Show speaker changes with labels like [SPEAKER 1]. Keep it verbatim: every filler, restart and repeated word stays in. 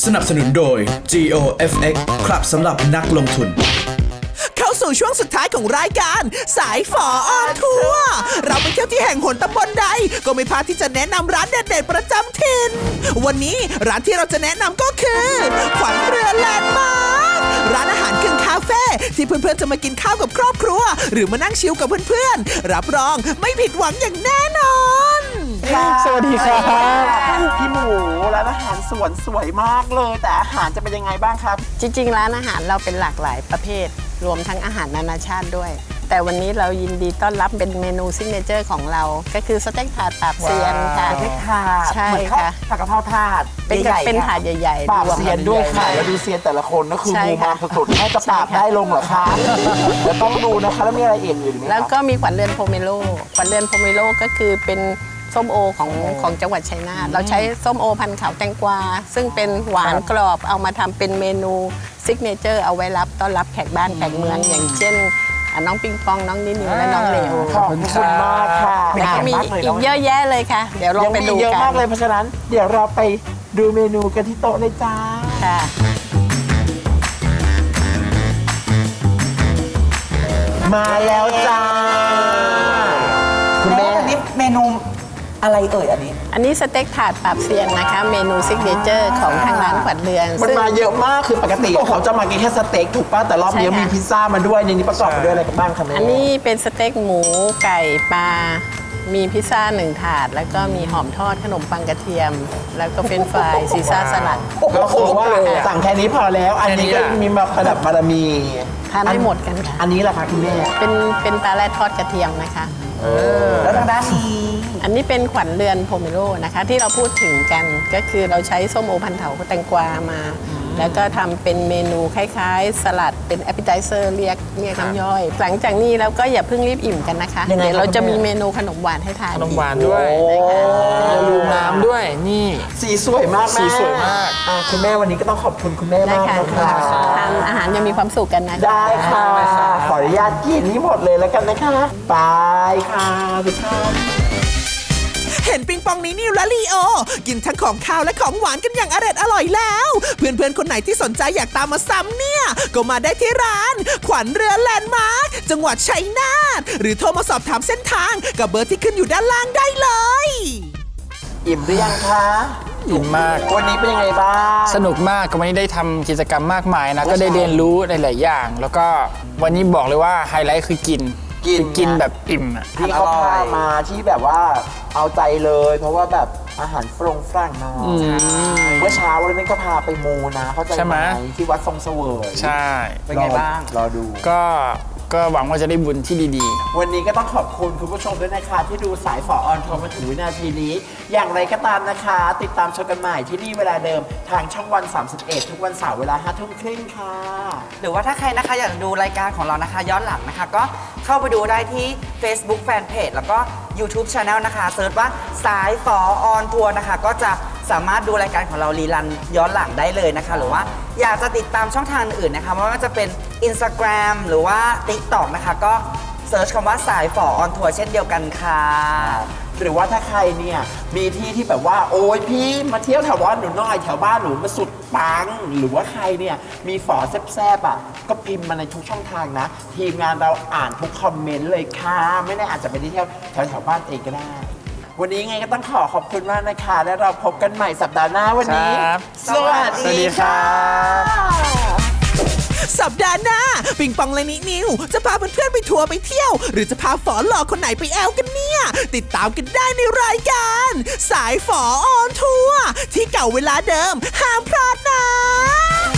[SPEAKER 1] สนับสนุนโดย จี โอ เอฟ เอ็กซ์ ครับสำหรับนักลงทุน
[SPEAKER 2] เข้าสู่ช่วงสุดท้ายของรายการสายฝอออนทัวร์เราไปเที่ยวที่แห่งหนตำบลใดก็ไม่พลาดที่จะแนะนำร้านเด็ดๆประจำถิ่นวันนี้ร้านที่เราจะแนะนำก็คือขวัญเรือแลนด์มาร์คร้านอาหารกึ่งคาเฟ่ที่เพื่อนๆจะมากินข้าวกับครอบครัวหรือมานั่งชิลกับเพื่อนๆรับรองไม่ผิดหวังอย่างแน่นอน
[SPEAKER 3] สวัสดีครับพี่หมูร้านอาหารสวนสวยมากเลยแต่อาหารจะเป็นยังไงบ้างครับ
[SPEAKER 4] จริงๆร้านอาหารเราเป็นหลากหลายประเภทรวมทั้งอาหารนานาชาติด้วยแต่วันนี้เรายินดีต้อนรับเป็นเมนูซิกเนเจอร์ของเราก็คือสเต็กถาดปราบเซียนค่ะ
[SPEAKER 3] สเต็กถาด
[SPEAKER 4] ใช่ค่ะ
[SPEAKER 3] ผัดกะเพราถาด
[SPEAKER 4] เป็นเป็นถาดใหญ่
[SPEAKER 3] ๆปราบเซียนด้วยค่ะแล้วดูเซียนแต่ละคนก็คือมูมาสุดๆให้จะปราบได้ลงเหรอคะเดี๋ยวต้องดูนะคะแล้วมีอะไรอีกอยู่ไหม
[SPEAKER 4] แล้วก็มีขวัญเรือนโพเมโลขวัญเรือนโพเมโลก็คือเป็นส้มโอของของจังหวัดชัยนาทเราใช้ส้มโอพันธุ์ขาวแตงกวาซึ่งเป็นหวานกรอบเอามาทำเป็นเมนูซิกเนเจอร์เอาไว้รับต้อนรับแขกบ้านแขกเมืองอย่างเช่นน้องปิงปองน้องนินิวและน้องเลว
[SPEAKER 3] ขอบคุณมากค่ะ
[SPEAKER 4] แล้วก็มีอีกเยอะแยะเลยค่ะเดี๋ยวลองไปดูกัน
[SPEAKER 3] เยอะมากเลยเพราะฉะนั้นเดี๋ยวเราไปดูเมนูกันที่โต๊ะเลยจ้า
[SPEAKER 4] ค่ะ
[SPEAKER 3] มาแล้วจ้า
[SPEAKER 5] คุณแม่อันนี้เมนูอะไรเอ่ยอันนี้
[SPEAKER 4] อันนี้สเต็กถาดปราบเซียนนะคะเมนูซิกเนเจอร์ของทางร้านขวัญเรือน
[SPEAKER 3] มันมาเยอะมากคือปกติเขาจะมากินแค่สเต็กถูกป่ะแต่รอบนี้มีพิซซ่ามาด้วยในนี้ประกอบไปด้วยอะไรกันบ้างคะแม่
[SPEAKER 4] อันนี้เป็นสเต็กหมูไก่ปลามีพิซซ่าหนึ่งถาดแล้วก็มีหอมทอดขนมปังกระเทียมแล้วก็เฟรนช์ฟรายซีซ่าสลัด
[SPEAKER 3] ก็คือว่าสั่งแค่นี้พอแล้วอันนี้ก็มีมาประดับบารมี
[SPEAKER 4] ทานไม่หมดกันค่ะ
[SPEAKER 3] อันนี้แหละค่ะคุณแม่
[SPEAKER 4] เป็นเป็นปลาแรดทอดกระเทียมนะคะ
[SPEAKER 5] แล้วทางด้านนี้
[SPEAKER 4] อันนี้เป็นขวัญเรือนโพเมโลนะคะที่เราพูดถึงกันก็คือเราใช้ส้มโอพันธุ์เถาแตงกวามาแล้วก็ทำเป็นเมนูคล้ายๆสลัดเป็นแอปเปิลไทเซอร์เรียกเรียกน้ำย่อยหลังจากนี้แล้วก็อย่าเพิ่งรีบอิ่มกันนะคะเดี๋ยวเราจะมีเมนูขนมหวานให้ทาน
[SPEAKER 6] ขนมหวานด้วยลูกน้ำด้วยนี่
[SPEAKER 3] สีสวยมาก
[SPEAKER 6] สีสวยมาก
[SPEAKER 3] คุณแม่วันนี้ก็ต้องขอบคุณคุณแม่มากนะคะ
[SPEAKER 4] ทานอาหารยังมีความสุขกันนะ
[SPEAKER 3] ได้ค่ะขออนุญาตกินนี้หมดเลยแล้วกันนะคะไปค่ะทุกท่าน
[SPEAKER 2] เห็นปิงปองนี้นิวและลีโอกินทั้งของข้าวและของหวานกันอย่างอร่อยอร่อยแล้วเพื่อนๆคนไหนที่สนใจอยากตามมาซ้ำเนี่ยก็มาได้ที่ร้านขวัญเรือแลนด์มาร์คจังหวัดชัยนาทหรือโทรมาสอบถามเส้นทางกับเบอร์ที่ขึ้นอยู่ด้านล่างได้เลย
[SPEAKER 3] อิ่มหรือยังคะ
[SPEAKER 6] อิ่มมาก
[SPEAKER 3] วันนี้เป็นยังไงบ้าง
[SPEAKER 6] สนุกมากก็วันนี้ได้ทำกิจกรรมมากมายนะก็ได้เรียนรู้หลายๆอย่างแล้วก็วันนี้บอกเลยว่าไฮไลท์คือกินคือกินแบบอิ่มอ่ะ
[SPEAKER 3] ที่เขาพามาที่แบบว่าเอาใจเลยเพราะว่าแบบอาหารฝรั่งฝรั่งเนาะเมื่อเช้าวันนี้ก็พาไปมูนะเข้าใจไหมที่วัดทรงเสวย
[SPEAKER 6] ใช่
[SPEAKER 3] เป็นไงบ้างรอดู
[SPEAKER 6] ก็ก็หวังว่าจะได้บุญที่ดี
[SPEAKER 3] ๆวันนี้ก็ต้องขอบคุณคุณผู้ชมด้วยนะคะที่ดูสายฝอออนทัวร์มาถึงวินาทีนี้อย่างไรก็ตามนะคะติดตามชมกันใหม่ที่นี่เวลาเดิมทางช่องวันสามสิบเอ็ดทุกวันเสาร์เวลาห้าทุ่มครึ่งค่ะ
[SPEAKER 5] หรือว่าถ้าใครนะคะอยากดูรายการของเรานะคะย้อนหลังนะคะก็เข้าไปดูได้ที่ Facebook Fanpage แล้วก็ YouTube Channel นะคะเซิร์ชว่าสายฝอออนทัวร์นะคะก็จะสามารถดูรายการของเรารีรันย้อนหลังได้เลยนะคะหรือว่าอยากจะติดตามช่องทางอื่นนะคะไม่ว่าจะเป็น Instagram หรือว่า TikTok นะคะก็เซิร์ชคำว่าสายฝอออนทัวร์เช่นเดียวกันค่ะ
[SPEAKER 3] หรือว่าถ้าใครเนี่ยมีที่ที่แบบว่าโอ้ยพี่มาเที่ยวแถวบ้านหนูหน่อยแถวบ้านหนูมาสุดปังหรือว่าใครเนี่ยมีฝอแซ่บๆอ่ะก็พิมพ์มาในทุกช่องทางนะทีมงานเราอ่านทุกคอมเมนต์เลยค่ะไม่แน่อาจจะไปที่เที่ยวแถวแถวบ้านเองก็ได้วันนี้ไงก็ต้องขอขอบคุณมากนะคะและเราพบกันใหม่สัปดาห์หน้าวันนี้
[SPEAKER 6] สวัสดีค่ะ
[SPEAKER 2] สัปดาห์หน้าปิงปองและนินิวจะพาเพื่อนๆไปทัวร์ไปเที่ยวหรือจะพาฝอหล่อคนไหนไปแอลกันเนี่ยติดตามกันได้ในรายการสายฝอออนทัวร์ที่เก่าเวลาเดิมห้ามพลาดนะ